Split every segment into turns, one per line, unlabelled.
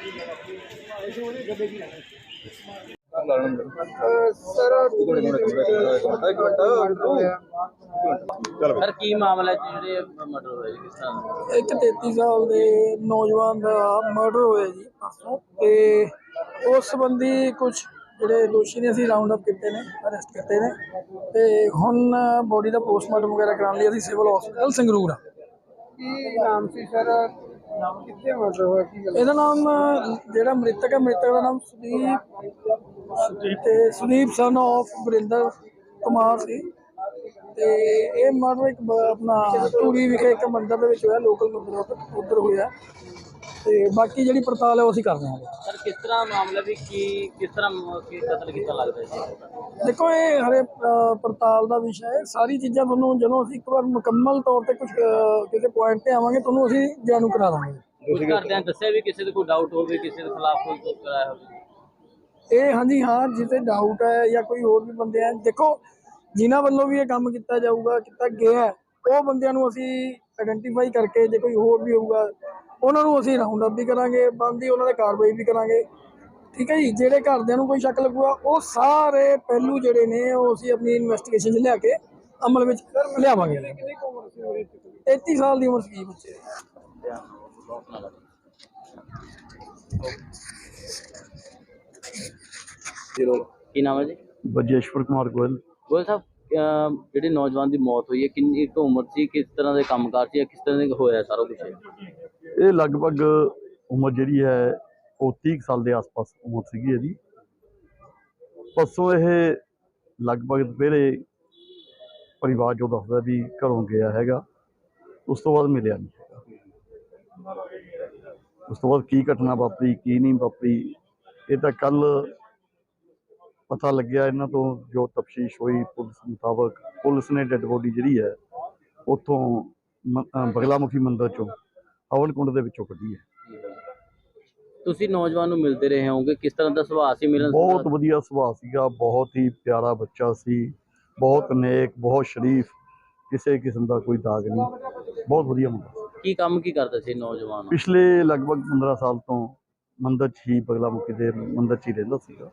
Sir की मामला जिहड़े मर्डर होया जी किस तरह
एक 33 साल के नौजवान का मर्डर होया जी परसों ते उस संबंधी कुछ ਜਿਹੜੇ ਦੋਸ਼ੀ ਨੇ ਅਸੀਂ ਰਾਉਂਡ ਅਪ ਕੀਤੇ ਨੇ ਅਰੈਸਟ ਕੀਤੇ ਨੇ ਤੇ ਹੁਣ ਬੋਡੀ ਦਾ ਪੋਸਟਮਾਰਟਮ ਵਗੈਰਾ ਕਰਾਉਣ ਲਈ ਅਸੀਂ ਸਿਵਲ ਹਸਪੀਟਲ ਸੰਗਰੂਰ ਆ।
ਕੀ ਨਾਮ ਸੀ ਸਰ, ਕਿੱਥੇ ਮਰਡਰ ਹੋਇਆ, ਕੀ ਗੱਲ?
ਇਹਦਾ ਨਾਮ ਜਿਹੜਾ ਮ੍ਰਿਤਕ ਦਾ ਨਾਮ ਸੁਦੀਪ ਸਨ ਆਫ ਵਰਿੰਦਰ ਕੁਮਾਰ ਸੀ ਤੇ ਇਹ ਮਰਡਰ ਇੱਕ ਆਪਣਾ ਧੂਰੀ ਵਿਖੇ ਇੱਕ ਮੰਦਿਰ ਦੇ ਵਿੱਚ ਹੋਇਆ, ਲੋਕਲ ਮੰਦਿਰ ਉੱਧਰ ਹੋਇਆ ਤੇ ਬਾਕੀ ਜਿਹੜੀ ਪੜਤਾਲ ਹੈ ਉਹ ਅਸੀਂ ਕਰਦੇ ਹਾਂ।
सर किस तरह मामला भी की किस तरह की कत्ल किया लगता है?
देखो ये हरे पड़ताल का विषय है, सारी चीज़ा थोनों जो असीं एक बार मुकम्मल तौर पर कुछ किसी पॉइंट पर आवांगे थोनों असीं जाणू करा देंगे।
कुछ करदे दस्सिया भी किसी कोई डाउट हो किसी के खिलाफ कोई कुछ कराया हो?
ये हाँ जी हाँ, जिसे डाउट है या कोई होर भी बंदे हैं, देखो जिन्हां वल्लों भी ये काम किया जाऊगा किया गया है वो बंदियां नूं असीं आइडेंटिफाई करके जो कोई होर भी होऊगा उन्होंने असीं राउंड अप भी करांगे, बनदी उन्होंने कार्रवाई भी करांगे। ठीक है जी, जेडे घरदियां नूं कोई शक लगूगा वो सारे पहलू जिहड़े ने वो असीं अपनी इन्वेस्टिगेशन लिया के अमल विच लियावांगे। 33 साल की उम्र सी बच्चे
की नाम है जी?
बजेश्वर कुमार गोयल।
गोयल साहब ਜਿਹੜੀ नौजवान की मौत हुई है कितनी उम्र सी, किस तरह के कामकाज से किस तरह का होया सारा कुछ?
ये लगभग उम्र जी है वो 30 साल के आस पास उम्र सी ਇਹਦੀ। परसों ये लगभग दोपहरे परिवार जो दसदा भी घरों गया हैगा, उस तो बाद मिलिया नहीं हैगा। उस तो बाद की घटना वापरी की नहीं वापरी ये तो कल पता लग्या। इन्हों तो जो तफ्तीश हुई पुलिस मुताबक पुलिस ने डेड बॉडी जी है उतों बगलामुखी मंदिर चों हवन कुंड ਦੇ ਵਿੱਚੋਂ ਕੱਢੀ ਹੈ।
ਤੁਸੀਂ ਨੌਜਵਾਨ ਨੂੰ ਮਿਲਦੇ ਰਹੇ ਹੋਗੇ, ਕਿਸ ਤਰ੍ਹਾਂ ਦਾ ਸੁਭਾਅ ਸੀ ਮਿਲਣ?
ਬਹੁਤ ਵਧੀਆ ਸੁਭਾਅ ਸੀਗਾ, ਬਹੁਤ ਹੀ ਪਿਆਰਾ ਬੱਚਾ ਸੀ, ਬਹੁਤ ਨੇਕ, ਬਹੁਤ ਸ਼ਰੀਫ, ਕਿਸੇ ਕਿਸਮ ਦਾ ਕੋਈ ਦਾਗ ਨਹੀਂ, ਬਹੁਤ ਵਧੀਆ ਮੁੰਡਾ।
ਕੀ ਕੰਮ ਕੀ ਕਰਦਾ ਸੀ ਨੌਜਵਾਨ?
ਪਿਛਲੇ ਲਗਭਗ 15 ਸਾਲ ਤੋਂ ਮੰਦਰ 'ਚ ਹੀ ਬਗਲਾਮੁਖੀ ਦੇ ਮੰਦਰ 'ਚ ਹੀ ਰਹਿੰਦਾ ਸੀਗਾ।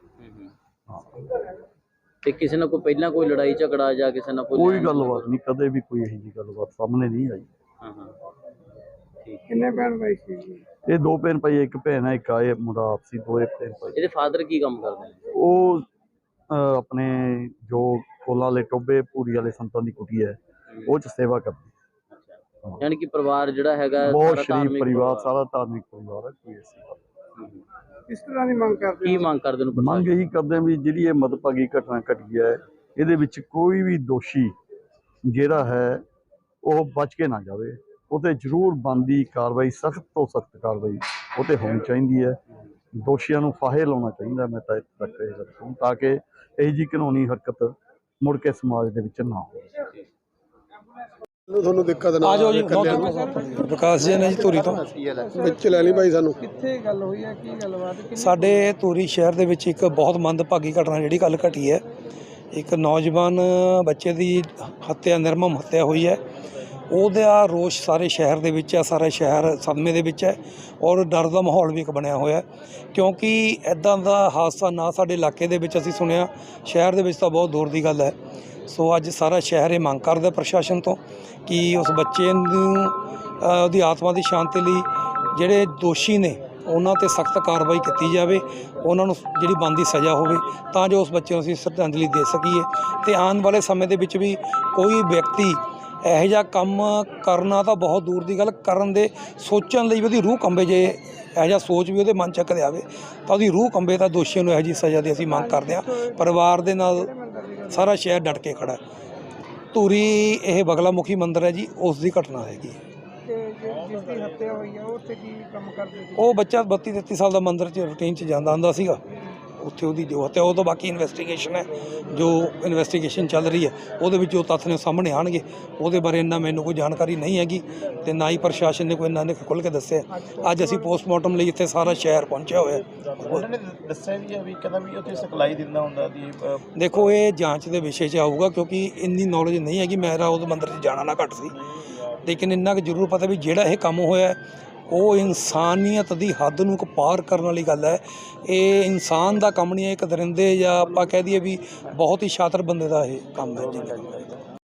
ਤੇ ਕਿਸੇ ਨਾਲ ਕੋਈ ਪਹਿਲਾਂ ਕੋਈ ਲੜਾਈ ਝਗੜਾ ਜਾਂ ਕਿਸੇ ਨਾਲ
ਕੋਈ ਗੱਲਬਾਤ ਨਹੀਂ, ਕਦੇ ਵੀ ਕੋਈ ਇਹੋ ਜਿਹੀ ਗੱਲਬਾਤ ਸਾਹਮਣੇ ਨਹੀਂ ਆਈ।
ਕਿੰਨੇ ਭੈਣ ਭਾਈ ਸੀ?
ਇਹ ਦੋ ਭੈਣ ਭਾਈ, ਇੱਕ ਭੈਣ ਹੈ, ਇੱਕ ਆਏ ਮੁੰਡਾ ਆਪਸੀ ਦੋਏ ਭੈਣ ਭਾਈ।
ਇਹਦੇ ਫਾਦਰ ਕੀ ਕੰਮ ਕਰਦੇ ਨੇ?
ਉਹ ਆਪਣੇ ਜੋ ਫੁੱਲਾਂ ਵਾਲੇ ਟੋਬੇ ਪੂਰੀ ਵਾਲੇ ਸੰਤਾਂ ਦੀ ਕੁਟੀ ਹੈ ਉਹ 'ਚ ਸੇਵਾ ਕਰਦੇ।
ਯਾਨੀ ਕਿ ਪਰਿਵਾਰ ਜਿਹੜਾ ਹੈਗਾ
ਬਹੁਤ ਸ਼ਰੀਫ ਪਰਿਵਾਰ, ਸਾਰਾ ਧਾਰਮਿਕ ਪਰਿਵਾਰ ਹੈ, ਕੋਈ ਐਸੀ ਗੱਲ।
ਕਿਸ ਤਰ੍ਹਾਂ ਦੀ ਮੰਗ ਕਰਦੇ?
ਕੀ ਮੰਗ ਕਰਦੇ ਨੂੰ?
ਮੰਗ ਇਹੀ ਕਰਦੇ ਵੀ ਜਿਹੜੀ ਇਹ ਮਦਭਾਗੀ ਘਟਨਾ ਘਟੀ ਹੈ ਇਹਦੇ ਵਿੱਚ ਕੋਈ ਵੀ ਦੋਸ਼ੀ ਜਿਹੜਾ ਹੈ ਉਹ ਬਚ ਕੇ ਨਾ ਜਾਵੇ, ਉਹਤੇ ਜ਼ਰੂਰ ਬਣਦੀ ਕਾਰਵਾਈ, ਸਖਤ ਤੋਂ ਸਖਤ ਕਾਰਵਾਈ ਉਹ 'ਤੇ ਹੋਣੀ ਚਾਹੀਦੀ ਹੈ। ਦੋਸ਼ੀਆਂ ਨੂੰ ਫਾਹੇ ਲਾਉਣਾ ਚਾਹੀਦਾ। ਮੈਂ ਤਾਂ ਇੱਥੇ ਤੱਕ ਇਹ ਰੱਖੂੰ ਤਾਂ ਕਿ ਇਹੋ ਜਿਹੀ ਕਾਨੂੰਨੀ ਹਰਕਤ ਮੁੜ ਕੇ ਸਮਾਜ ਦੇ ਵਿੱਚ ਨਾ ਹੋਵੇ।
ਤੁਹਾਨੂੰ ਦਿੱਕਤ ਨਾ
ਆਜੋ ਜੀ, ਵਿਕਾਸ ਜੀ ਨੇ ਜੀ ਧੂਰੀ ਤੋਂ
ਵਿੱਚ ਲੈ ਲਈ ਭਾਈ। ਸਾਨੂੰ
ਕਿੱਥੇ ਗੱਲ ਹੋਈ ਹੈ, ਕੀ ਗੱਲਬਾਤ?
ਸਾਡੇ ਧੂਰੀ ਸ਼ਹਿਰ ਦੇ ਵਿੱਚ ਇੱਕ ਬਹੁਤ ਮੰਦਭਾਗੀ ਘਟਨਾ ਜਿਹੜੀ ਕੱਲ੍ਹ ਘਟੀ ਹੈ। ਇੱਕ ਨੌਜਵਾਨ ਬੱਚੇ ਦੀ ਹੱਤਿਆ, ਨਿਰਮਮ ਹੱਤਿਆ ਹੋਈ ਹੈ। ਉਹਦਾ ਰੋਸ਼ ਸਾਰੇ ਸ਼ਹਿਰ ਦੇ ਵਿੱਚ ਹੈ, ਸਾਰਾ ਸ਼ਹਿਰ ਸਦਮੇ ਦੇ ਵਿੱਚ ਹੈ ਔਰ ਡਰ ਦਾ ਮਾਹੌਲ ਵੀ ਇੱਕ ਬਣਿਆ ਹੋਇਆ, ਕਿਉਂਕਿ ਇੱਦਾਂ ਦਾ ਹਾਦਸਾ ਨਾ ਸਾਡੇ ਇਲਾਕੇ ਦੇ ਵਿੱਚ ਅਸੀਂ ਸੁਣਿਆ, ਸ਼ਹਿਰ ਦੇ ਵਿੱਚ ਤਾਂ ਬਹੁਤ ਦੂਰ ਦੀ ਗੱਲ ਹੈ। ਸੋ ਅੱਜ ਸਾਰਾ ਸ਼ਹਿਰ ਇਹ ਮੰਗ ਕਰਦਾ ਪ੍ਰਸ਼ਾਸਨ ਤੋਂ ਕਿ ਉਸ ਬੱਚੇ ਨੂੰ ਉਹਦੀ ਆਤਮਾ ਦੀ ਸ਼ਾਂਤੀ ਲਈ ਜਿਹੜੇ ਦੋਸ਼ੀ ਨੇ ਉਹਨਾਂ 'ਤੇ ਸਖਤ ਕਾਰਵਾਈ ਕੀਤੀ ਜਾਵੇ, ਉਹਨਾਂ ਨੂੰ ਜਿਹੜੀ ਬਣਦੀ ਸਜ਼ਾ ਹੋਵੇ ਤਾਂ ਜੋ ਉਸ ਬੱਚੇ ਨੂੰ ਅਸੀਂ ਸ਼ਰਧਾਂਜਲੀ ਦੇ ਸਕੀਏ। ਅਤੇ ਆਉਣ ਵਾਲੇ ਸਮੇਂ ਦੇ ਵਿੱਚ ਵੀ ਕੋਈ ਵਿਅਕਤੀ ਇਹੋ ਜਿਹਾ ਕੰਮ ਕਰਨਾ ਤਾਂ ਬਹੁਤ ਦੂਰ ਦੀ ਗੱਲ, ਕਰਨ ਦੇ ਸੋਚਣ ਲਈ ਵੀ ਉਹਦੀ ਰੂਹ ਕੰਬੇ, ਜੇ ਇਹੋ ਜਿਹਾ ਸੋਚ ਵੀ ਉਹਦੇ ਮਨ 'ਚ ਕਦੇ ਆਵੇ ਤਾਂ ਉਹਦੀ ਰੂਹ ਕੰਬੇ। ਤਾਂ ਦੋਸ਼ੀਆਂ ਨੂੰ ਇਹੋ ਜਿਹੀ ਸਜ਼ਾ ਦੀ ਅਸੀਂ ਮੰਗ ਕਰਦੇ ਹਾਂ। ਪਰਿਵਾਰ ਦੇ ਨਾਲ ਸਾਰਾ ਸ਼ਹਿਰ ਡਟ ਕੇ ਖੜ੍ਹਾ। ਧੂਰੀ ਇਹ ਬਗਲਾਮੁਖੀ ਮੰਦਿਰ ਹੈ ਜੀ, ਉਸ ਦੀ ਘਟਨਾ ਹੈਗੀ।
ਜਿਸ ਦੀ ਹੱਤਿਆ ਹੋਈ ਹੈ ਉਹ ਉੱਥੇ ਕੀ ਕੰਮ ਕਰਦੇ ਸੀ?
ਉਹ ਬੱਚਾ 32-33 ਸਾਲ ਦਾ ਮੰਦਿਰ 'ਚ ਰੂਟੀਨ 'ਚ ਜਾਂਦਾ ਹੁੰਦਾ ਸੀਗਾ। ਉੱਥੇ ਉਹਦੀ ਜੋ ਹੱਤਿਆ, ਉਹ ਤੋਂ ਬਾਕੀ ਇਨਵੈਸਟੀਗੇਸ਼ਨ ਹੈ, ਜੋ ਇਨਵੈਸਟੀਗੇਸ਼ਨ ਚੱਲ ਰਹੀ ਹੈ ਉਹਦੇ ਵਿੱਚ ਜੋ ਤੱਥ ਨੇ ਸਾਹਮਣੇ ਆਉਣਗੇ। ਉਹਦੇ ਬਾਰੇ ਇੰਨਾ ਮੈਨੂੰ ਕੋਈ ਜਾਣਕਾਰੀ ਨਹੀਂ ਹੈਗੀ ਅਤੇ ਨਾ ਹੀ ਪ੍ਰਸ਼ਾਸਨ ਨੇ ਕੋਈ ਇੰਨਾ ਨੇ ਖੁੱਲ੍ਹ ਕੇ ਦੱਸਿਆ। ਅੱਜ ਅਸੀਂ ਪੋਸਟਮਾਰਟਮ ਲਈ ਇੱਥੇ ਸਾਰਾ ਸ਼ਹਿਰ ਪਹੁੰਚਿਆ ਹੋਇਆ।
ਉਹਨਾਂ ਨੇ ਦੱਸਿਆ ਵੀ ਹੈ ਵੀ ਕਹਿੰਦਾ ਵੀ ਉੱਥੇ ਸਪਲਾਈ ਦਿੰਦਾ ਹੁੰਦਾ ਦੀ।
ਦੇਖੋ ਇਹ ਜਾਂਚ ਦੇ ਵਿਸ਼ੇ 'ਚ ਆਊਗਾ, ਕਿਉਂਕਿ ਇੰਨੀ ਨੌਲੇਜ ਨਹੀਂ ਹੈਗੀ। ਮੇਰਾ ਉਹ ਮੰਦਿਰ 'ਚ ਜਾਣਾ ਨਾ ਘੱਟ ਸੀ, ਲੇਕਿਨ ਇੰਨਾ ਕੁ ਜ਼ਰੂਰ ਪਤਾ ਵੀ ਜਿਹੜਾ ਇਹ ਕੰਮ ਹੋਇਆ ਉਹ ਇਨਸਾਨੀਅਤ ਦੀ ਹੱਦ ਨੂੰ ਪਾਰ ਕਰਨ ਵਾਲੀ ਗੱਲ ਹੈ। ਇਹ ਇਨਸਾਨ ਦਾ ਕੰਮ ਨਹੀਂ ਹੈ, ਇੱਕ ਦਰਿੰਦੇ ਜਾਂ ਆਪਾਂ ਕਹਿ ਦਈਏ ਵੀ ਬਹੁਤ ਹੀ ਸ਼ਾਤਰ ਬੰਦੇ ਦਾ ਇਹ ਕੰਮ ਹੈ।